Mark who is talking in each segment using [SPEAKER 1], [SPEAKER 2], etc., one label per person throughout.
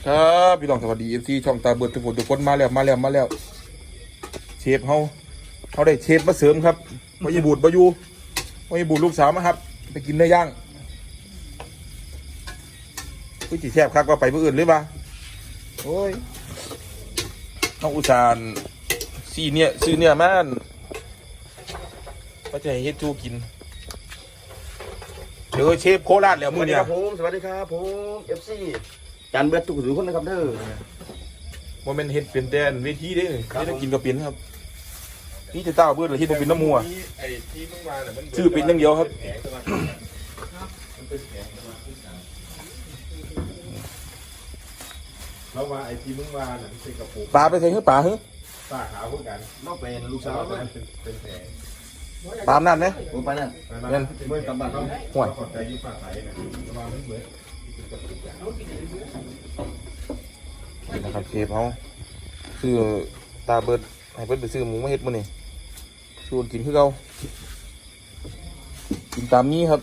[SPEAKER 1] ครับพี่น้องสวัสดีFCช่องตาเบิดทุกคนมาแล้วเชฟเขาได้เชฟมาเสริมครับวายบูดบายูวายบูดลูกสาวมาครับไปกินเนื้อย่างผู้จีแซ่บครับก็ไปเพื่ออื่นหรือเปล่าโอ้ยน้องอุตสานซื้อเนี่ยมันก็จะให้เฮ็ดจูกินเดี๋ยวเชฟโคราชแล้วมือเนี่ย
[SPEAKER 2] สวัสดีครับผม FC จานเบิดทุกคนนะครับเด้อ
[SPEAKER 1] ว่ามันเฮ็ดเป็นแต่เวทีเด้ไม่ได้กินกับเป็นครับนี่จะเต้าเบิดหรือเฮ็ดบ่เป็นน้ำมัวชื่อเป็นอย่างเดียวครับ
[SPEAKER 3] แล้วว่าไอ้ที่มึงว่าน่ะมันเป็นกระปุก
[SPEAKER 1] ปลาไปใส่ให้ปลาเหรอ
[SPEAKER 3] ปลาขาวพวกกัน
[SPEAKER 2] นอกเป็นลูกสาว
[SPEAKER 3] เป็นแผล
[SPEAKER 1] ปลานั่นไหม
[SPEAKER 2] ผมไปนั่น
[SPEAKER 3] เมื่อกำบัดต้อง
[SPEAKER 1] ห่วย
[SPEAKER 3] ขอบใจที่ฝากไว้นะระวังมันเหมือน
[SPEAKER 1] นะครับเชฟเขาซื้อตาเบิดให้เบิดไปซื้อหมูมาเฮ็ดมื้อนี่ชวนกินคือเก่ากินตามนี้ครับ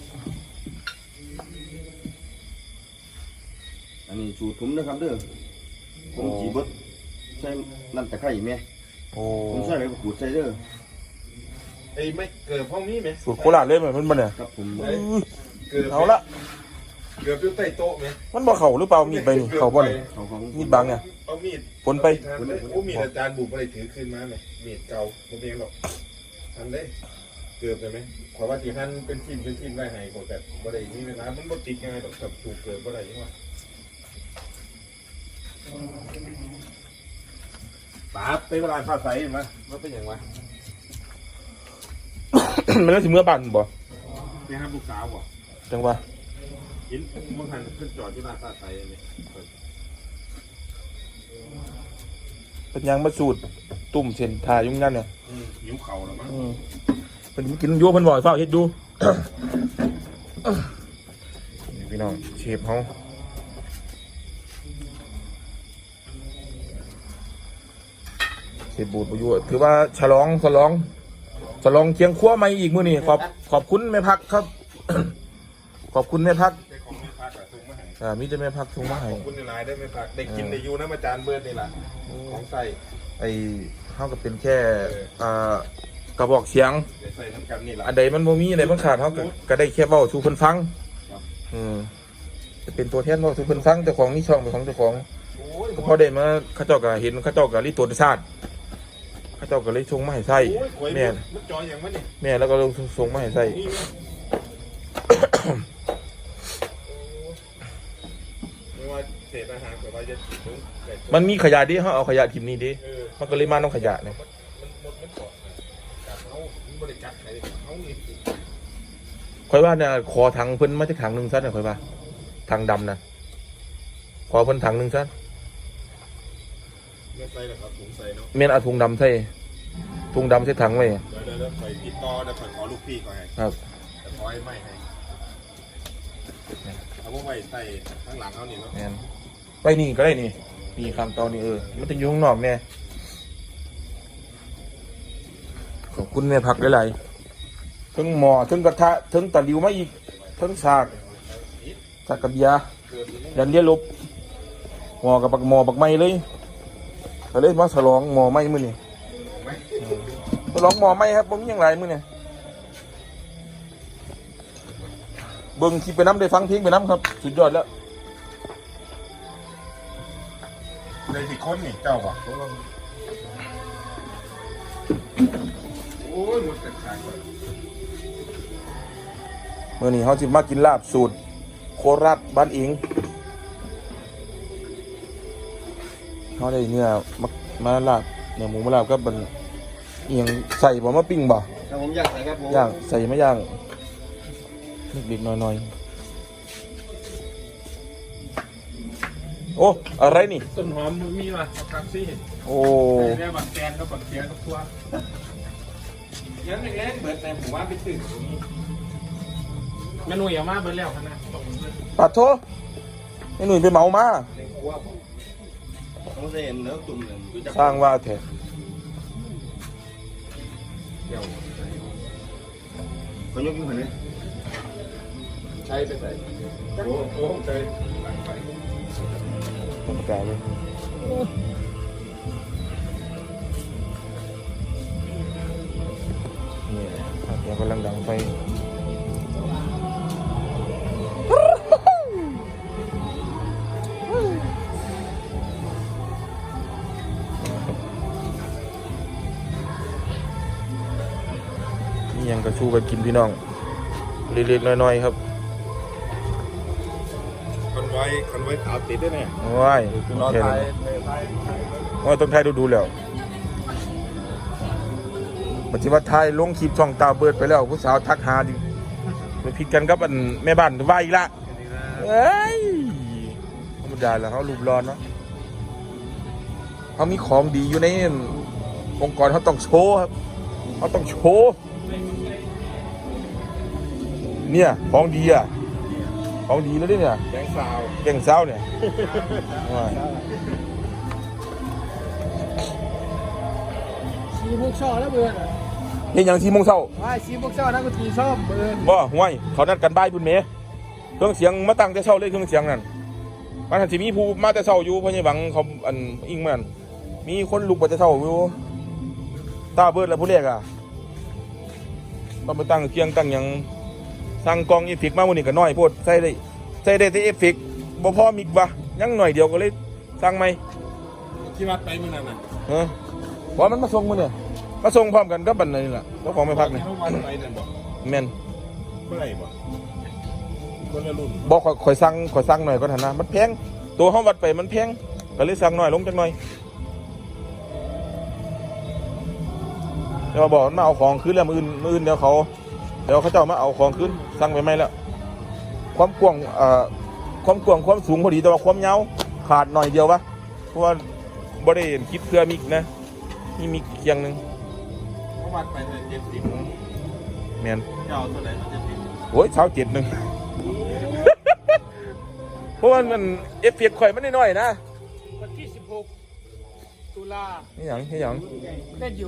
[SPEAKER 2] อันนี้สูตรผมนะครับเด้อผมจีบดใส่น้ำตะไคร้แม่ผมใส่อะไรขูดใส่เด้อ
[SPEAKER 3] ไอ้ไม่เกิดห้องนี้ไหม
[SPEAKER 1] สูตรโคราชเลยเหมือนมันเนี่ย
[SPEAKER 2] ครับผม
[SPEAKER 1] เอาละ
[SPEAKER 3] เกือบอยู่ใต้โต๊ะไหม
[SPEAKER 1] มันบ่เข่าหรือเปล่ามีดไปนี่เข่าบ่นี่มีดบางเนี่ย
[SPEAKER 3] เอามีด
[SPEAKER 1] ผลไป
[SPEAKER 3] โอ้มีดอาจารย์บุกอะไรถือขึ้นมาไหมมีดเก่าผมเองหรอกทันได้เกือบเลยไหมขอว่าที่ท่านเป็นทีมได้ให้กดแต่บ่ได้มีเวลามันบ่ติดง่ายหรอกกับถูกเกิดบ่ได้ยังไงป๋าไปเวลาผ้าใสเห็นไหมมันเป็นอย่างไร
[SPEAKER 1] มันแล้วสิเมื่อบ้านบ่
[SPEAKER 3] นี่ครับลูกสาวบ่
[SPEAKER 1] จังว่า
[SPEAKER 3] ยินมึงหันขึ้นจอดที่หน้าผ้าใสเลย
[SPEAKER 1] เป็นยังมาสูตรตุ่มเส้นทายุ่งนั่นเนี่ย
[SPEAKER 3] หิวเข่าแล้วมั้ง
[SPEAKER 1] เป็นกินโยเพิ่นบ่อยเฝ้าเฮ็ดดูพี่น้องเชฟเขาเชฟบูดประยุทธ์ถือว่าฉลองเคียงขั้วใหม่อีกมื้อนี้ขอบคุณแม่พักครับขอบคุณแม่พักมีแต่แม่พักส่งมาให้
[SPEAKER 3] ขอบคุณในไลน์ได้แม่พักได้กินได้อยู่นะอาจารย์เบิร์ดนี่แหละของใส่
[SPEAKER 1] เท่ากับเป็นแค่กระบอกเสียง
[SPEAKER 3] ใส่ทั้งกันนี่แหละ
[SPEAKER 1] อันใดมันบ่มีอันใดมันขาดเท่าก็ได้แค่เว้าสู่เพิ่นฟังจะเป็นตัวแทนเว้าสู่เพิ่นฟังเจ้าของนี่ช่องเป็นของเจ้าของก็พอได้มาเขาเจ้าก็เห็นเขาเจ้าก็รีตรวจชาติเขาเจ้าก็เลยส่งมาให้ใส่แม่
[SPEAKER 3] มันจอยอย่างมันนี่
[SPEAKER 1] แม่แล้วก็ส่งมาให้ใส่
[SPEAKER 3] เศษอาหารแบบว่าจะ
[SPEAKER 1] มันมีขยะดิเขาเอาขยะทิมนี่ดิมันก็เลยมาต้องขยะเนี่ย
[SPEAKER 3] มันเกาะกัดเขาบริการใครเขานี่
[SPEAKER 1] ค่อยว่าเนี่ยขอถังเพิ่นมาจากถังหนึ่งซะเนี่ยค่อยว่าถังดำนะขอเพิ่นถังหนึ่งซะ
[SPEAKER 3] ไม่ใส่หรอกครับถุงใส่เนาะ
[SPEAKER 1] เมียนเอาถุงดำใส่ถังไว้
[SPEAKER 3] เดี๋ยวใส่ติดต่อเดี๋ยวขอลูกพี่ก่อนให้
[SPEAKER 1] ครับ
[SPEAKER 3] จะขอให้ไม่ให้เอาพวกไว้ใส่ข้างหลังเขานี่เนาะ
[SPEAKER 1] ไปนี่ก็ได้นี่คำตอนนี้มันจะอยู่ข้างนอกเนี่ยขอบคุณแม่ผักหลายๆทั้งหม้อทั้งกระทะทั้งตะหลิวมาอีกทั้งสากกระเบียยันเลี้ยลบหม้อกับหม้อบักไม้เลยก็เลยมาฉลองหม้อไม้มื้อนี้ฉลองหม้อไม้ครับผมมีอย่างไรมื้อนี้เบิ่งคลิปไปน้ำได้ฟังเพลงไปน้ำครับสุดยอดแล้ว
[SPEAKER 3] เลยสิคนนี่เจ้าป่ะโอ้ยหมดแต่ขาย
[SPEAKER 1] เมื่อนี้เขาจะมากินลาบสูตรโคราชบ้านอิงเขาได้เนื้อมาลาบเนื้อหมูมาลาบก็เป็นเอียงใส่บ่มาปิ้งบ่
[SPEAKER 2] ครับผมย่างใส่ครับผม
[SPEAKER 1] ย่างใส่ไม่ย่างนิดๆหน่อยๆโอ้อะไรนี่
[SPEAKER 3] ต้นหอมมีป่ะครับซี่
[SPEAKER 1] โอ้
[SPEAKER 3] เรียกบักแกนก็บักเสียก็ทั่วยังเล็กเบิดแต่ผมว่าไปถึงเมนูอย่างมากเบิดแล้วนะ
[SPEAKER 1] ปัดโถไอ้หนุ่ยไปเมามาสร้างว่าแท้
[SPEAKER 2] เขายกขึ้นมาเลย
[SPEAKER 3] ใช้ไปใส่โอ้ใช้
[SPEAKER 1] ธรรมดาเลยนี่เดี๋ยวกำลังดังไฟนี่ยังกระชูกันกินพี่น้องเล็กๆน้อยๆครับ
[SPEAKER 3] คอนไว้ขาวติดด้วยเนี่ย
[SPEAKER 1] ว้าย
[SPEAKER 3] รอไทย
[SPEAKER 1] ว่าต้องไทยดูแล้วปัจจุบันไทยลงคลิปช่องตาเบิดไปแล้วผู้สาวทักหาดิไปผิดกันกับอันแม่บ้านว่าอีกละเอ้ยธรรมดาแล้วเขารูปร้อนเนาะเขามีของดีอยู่ในองค์กรเขาต้องโชว์ครับเขาต้องโชว์เนี่ยของดีอ่ะของดีแล้วเนี่ย
[SPEAKER 3] แดงสาว
[SPEAKER 1] แกงเศร้าเนี่ยว้าย
[SPEAKER 4] ชีพวกช่อแล้วเบื่อน่ะ
[SPEAKER 1] เฮ็ดหยัง4 โมงเช้า
[SPEAKER 4] ว่าชีพวกช่อนักดนตรีชอบเบื่อ
[SPEAKER 1] บ่ห่วยเขานัดกันบ่ายพุ่นแหมเครื่องเสียงมาตั้งแต่เช้าเลยเครื่องเสียงนั่นมันสิมีผู้มาแต่เช้าอยู่เพราะยังหวังเขาอันอิงมันมีคนลุกมาแต่เช้าอยู่ตาเบิดแล้วผู้แรกอ่ะต้องไปตั้งเคียงตั้งหยังสั่งกองเอฟเฟกต์มามื้อนี้ก็น้อยโพดใส่ได้แต่เอฟเฟกต์บ่พอมิกบ่ยังหน่อยเดียวก็เลยสั่งใหม่
[SPEAKER 3] ที่วัดไปเมื่อนั้นน่ะ
[SPEAKER 1] เออบ่มันมาส่งมื้อเนี่ยมาส่งพร้อมกันกับบันนี่ล่ะเจ้าของไม่พักนี่
[SPEAKER 3] ที่วัดไปนั่นบอก
[SPEAKER 1] แม่น
[SPEAKER 3] เมื่อไหร่บอกคนละรุ่น
[SPEAKER 1] บอกข่อยสั่งหน่อยก็ทันนะมันแพงตัวห้องวัดไปมันแพงก็เลยสั่งหน่อยลงจักหน่อยเดี๋ยวบอกมันมาเอาของคืนแล้วมืออื่นเดี๋ยวเขาเจ้ามาเอาของคืนสั่งไปไหมแล้วความกว้างความสูงพอดีแต่ว่าความยาวขาดหน่อยเดียววะเพราะว่าบ่ได้คิดเพื่อมิกนะนี่มิกเคียงหนึง
[SPEAKER 3] เขาวัดไปเลย70
[SPEAKER 1] แมน
[SPEAKER 3] เจ้าตัวไหนมัน70
[SPEAKER 1] โอ้ยเช้า7 นึง เพราะว่ามันเอฟเฟกต์ข่อยมันน้อยๆนะ
[SPEAKER 4] วันที่16 ตุลา
[SPEAKER 1] นี่หยังนี่หยัง
[SPEAKER 4] เล่นอยู่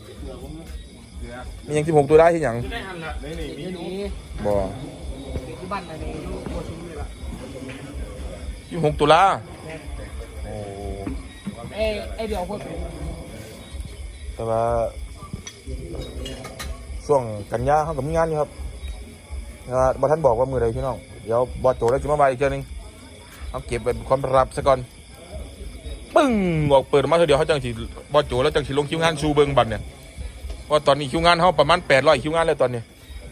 [SPEAKER 1] มีหยัง16 ตัวได้ที่หยัง
[SPEAKER 3] ที่ได้หันละนี่มี
[SPEAKER 4] เดี๋ยว
[SPEAKER 3] อยู่
[SPEAKER 4] นี้
[SPEAKER 1] บ่
[SPEAKER 4] ที่บ้านอะไรลูกโคชุมนี่ล่ะ
[SPEAKER 1] 26 ตุลาโอ้
[SPEAKER 4] ไอ้เดี๋ยวพวก
[SPEAKER 1] แต่ว่าช่วงกันยาเขากับมีงานอยู่ครับบอท่านบอกว่ามือใดพี่น้องเดี๋ยวบอสโจแล้วจะมาใบอีกเจ้านึงเอาเก็บเป็นความลับซะก่อนปึ้งออกเปิดมาเถอะเดี๋ยวเขาจังสิบอสโจแล้วจังสิลงคิวงานชูเบิงบัตรเนี่ยว่าตอนนี้คิวงานเขาประมาณ800คิวงานเลยตอนนี้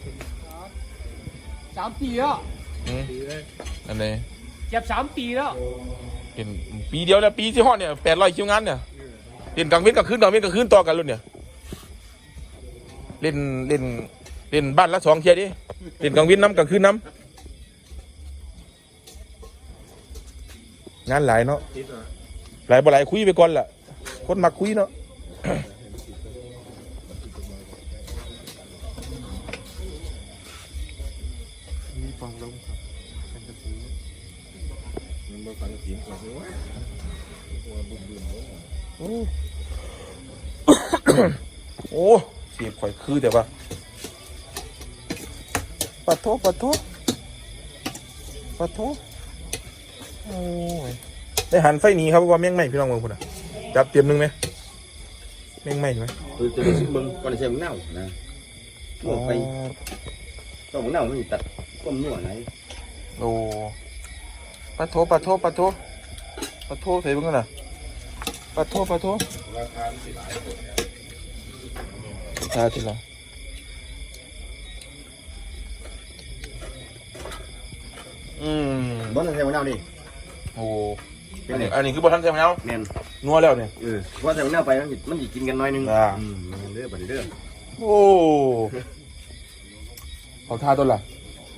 [SPEAKER 4] 3 ปีแล้ว
[SPEAKER 1] อันนี้
[SPEAKER 4] เจ็บ3 ปีแล้ว
[SPEAKER 1] เป็นปีเดียวแล้วปีที่ฮอดเนี่ย800คิวงานเนี่ยเล่นกลางวันกลางคืนต่อกันรุ่นเนี่ยเล่นบ้านละ2 เที่ยดิเล่นกลางวันน้ำกลางคืนน้ำงานหลายเนาะหลายบ่หลายคุยไปก่อนล่ะคนมักคุยเนาะ
[SPEAKER 3] มีฟังลงครับเป็นกระสือมันมาฟังเสียงก่อนสิวะว่าบุญโอ้
[SPEAKER 1] โอ้เสียบข่อยคือแต่ว่าปัดโทโอ้ยได้หันไฟหนีครับว่าแม่งไหมพี่น้องเมืองพุ่นอ่ะจับเตรียมหนึงไหมแม่งไหมไหม
[SPEAKER 2] คือจะรู้สึกมึงก่อนจะใช้มึงเน่านะลวกไปต้องมึงเน่ามันตัดก้มนัวไหน
[SPEAKER 1] โอ้ปัดโทใส่เบิ่งกันน่ะปัดโท
[SPEAKER 3] ราคาสิหลายคน
[SPEAKER 1] ตาทีละ
[SPEAKER 2] บ้านจะใช้มึงเน่าดิ
[SPEAKER 1] โอ้อันนี้คือบ่ทันใช่ไหมเนาะ
[SPEAKER 2] แมน
[SPEAKER 1] นัวแล้วเนี่ย
[SPEAKER 2] ว่าใช้มึงเน่าไปมันจะกินกันน้อยนึงเด้อบัดนี้เด้อ
[SPEAKER 1] โอ้เขาท่าต้นล่ะ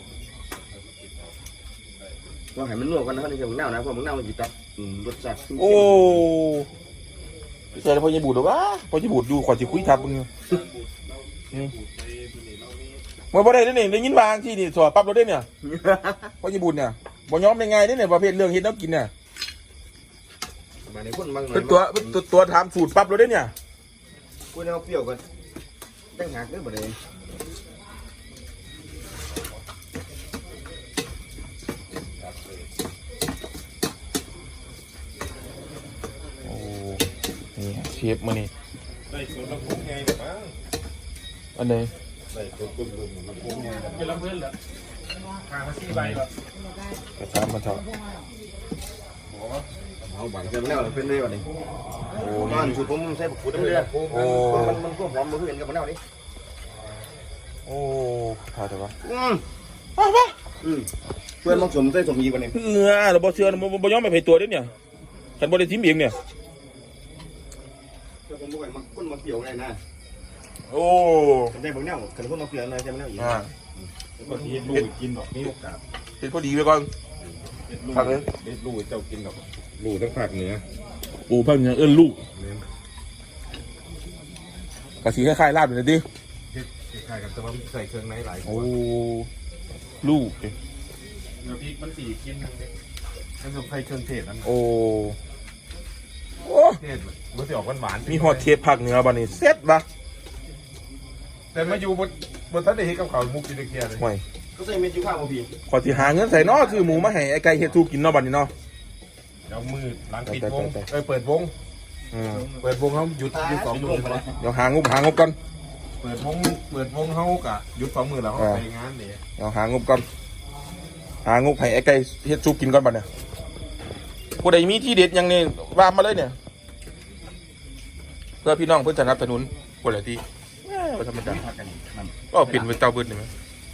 [SPEAKER 2] ว่าให้มันลวกกันนะใช้มึงเน่านะเพราะมึงเน่ามันจะตัดรสชาติ
[SPEAKER 1] โอ้ใช่แล้วพอจะบูดหรอวะพอจะบูดดูขอจะคุยทับมึงเมื่อพอได้เนี่ยได้ยินวางที่นี่สอบปั๊บเราได้เนี่ยพอจะบูดเนี่ยบ่ยอมได้ไงได้เนี่ยประเภทเรื่องเห็ดแล้วกินเนี่ย
[SPEAKER 2] มาในคนบางหน่อย
[SPEAKER 1] เป็นตัวทำสูตรปั๊บเราได้เนี่ย
[SPEAKER 2] กูเอาเปรี้ยวกันตั้งหักเด้อบัดนี้
[SPEAKER 1] เชฟมื้อนี้
[SPEAKER 3] ได้ส่วนลำโพงไงเนี่ยมั้ง
[SPEAKER 1] อันใด
[SPEAKER 3] ได้ส่วนบึ้มลำโพงไง
[SPEAKER 4] เป็นลำเพิ่นเหรอทางมา4ใบเหรอก
[SPEAKER 1] ระชามมาเถอะ
[SPEAKER 2] เอาบังเสร็จแล้วเป็นเลยวันนี้
[SPEAKER 1] โอ้
[SPEAKER 2] บ้าน
[SPEAKER 1] นี่
[SPEAKER 2] สูตรผมใส่ผักกูดน้ำเลือด
[SPEAKER 1] โอ้
[SPEAKER 2] มันก็หอมมาเพื่อนกับมันแล้วนี่
[SPEAKER 1] โอ้ทาแต่ว่า
[SPEAKER 2] เพื่อนต้องสมใส่สมยีวันนี้
[SPEAKER 1] เราบ่เชื่อบ่ยอมไปไผตัวเด้เนี่ยคันบ่ได้ทิมเองเนี่ย
[SPEAKER 2] เพื่อนผมบอกว่ามันก้นมาเกี่ยวไงนะ
[SPEAKER 1] โอ้
[SPEAKER 2] ได้บอกแนวขันก้นมาเกี่ยวอะไรใช่ไหมแนวอีก
[SPEAKER 1] อ่า
[SPEAKER 3] บางทีลูกกินดอกมีโอกาส
[SPEAKER 1] เฮ็ดพอดีไว้ก่อน ผักเลย
[SPEAKER 3] เด็ดลูกเจ้ากินดอกลูกทั้งผักเหนือ
[SPEAKER 1] ปูพันยังเอิ้นลูกกะสิคล้ายๆลาบอยู่นะติ
[SPEAKER 3] เฮ็ดคล้ายๆกันแต่ว่าใส่เครื่องในหลายค
[SPEAKER 1] โอ้
[SPEAKER 3] น
[SPEAKER 1] ลูกดิ
[SPEAKER 3] เนื้อพริกมันสีกินมันต้องใส่เครื่องเทศนั้น
[SPEAKER 1] โอ้โอ้
[SPEAKER 3] เทศมันจะออกหวานๆ
[SPEAKER 1] มีฮอดเทปภาคเหนือบัดนี้เสร็จบ่
[SPEAKER 3] แต่มาอยู่บนท่านได้เห็นกับเขาวมุกกินตะเกียบเลย
[SPEAKER 1] ห่วย
[SPEAKER 2] ก็ใส่เม็ดยูข้าวมาพี่
[SPEAKER 1] ขอสิหาเงินใส่เนาะซื้อหมูมาให้ไอ้ไก่เฮ็ดสู้กินเนาะบัดนี้เนาะ
[SPEAKER 3] เดี๋ยวมือหลังปิดวง
[SPEAKER 1] ไป
[SPEAKER 3] เปิดวง
[SPEAKER 1] อืม
[SPEAKER 3] เปิดวงเขาหยุด2 มื้อแล้ว
[SPEAKER 1] เดี๋ยวหางบก่อน
[SPEAKER 3] เปิดวงเขากะหยุด2 มื้อแล้วเขาไปงานนี่
[SPEAKER 1] เดี๋ยวหางบก่อนหางบให้ไอ้ไก่เฮ็ดสู้กินก่อนบัดเนี่ยผู้ใดมีที่เด็ดหยังนี่ว่ามาเลยเนี่ยเพื่อพี่น้องเพื่อนสนับสนุนคนละที่บ่ธรรมดา
[SPEAKER 2] ผักกันนั่น
[SPEAKER 1] ก็เอาปิ่นเป็นเตาบืดนี่มั้ย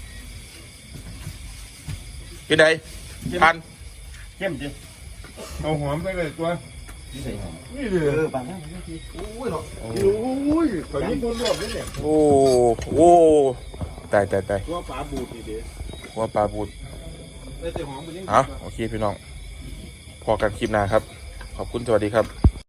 [SPEAKER 1] เป็นไงพัน
[SPEAKER 2] เข้มจริง
[SPEAKER 3] เอาหอมใส่เลยตัว
[SPEAKER 2] ที่ใส่หอม
[SPEAKER 3] นี่เลย
[SPEAKER 2] บางอย่างโอ้ยเนาะ
[SPEAKER 3] โอ้ยตอนนี้คนรวบนี่เนี่ย
[SPEAKER 1] โอ้โอ้ตาย
[SPEAKER 3] ตัวปลาบูดนี่เด้
[SPEAKER 1] ว่าปลาบูด
[SPEAKER 3] ได้แต่หอมมันยัง
[SPEAKER 1] เอาโอเคพี่น้อง พอกันคลิปหน้าครับ ขอบคุณสวัสดีครับ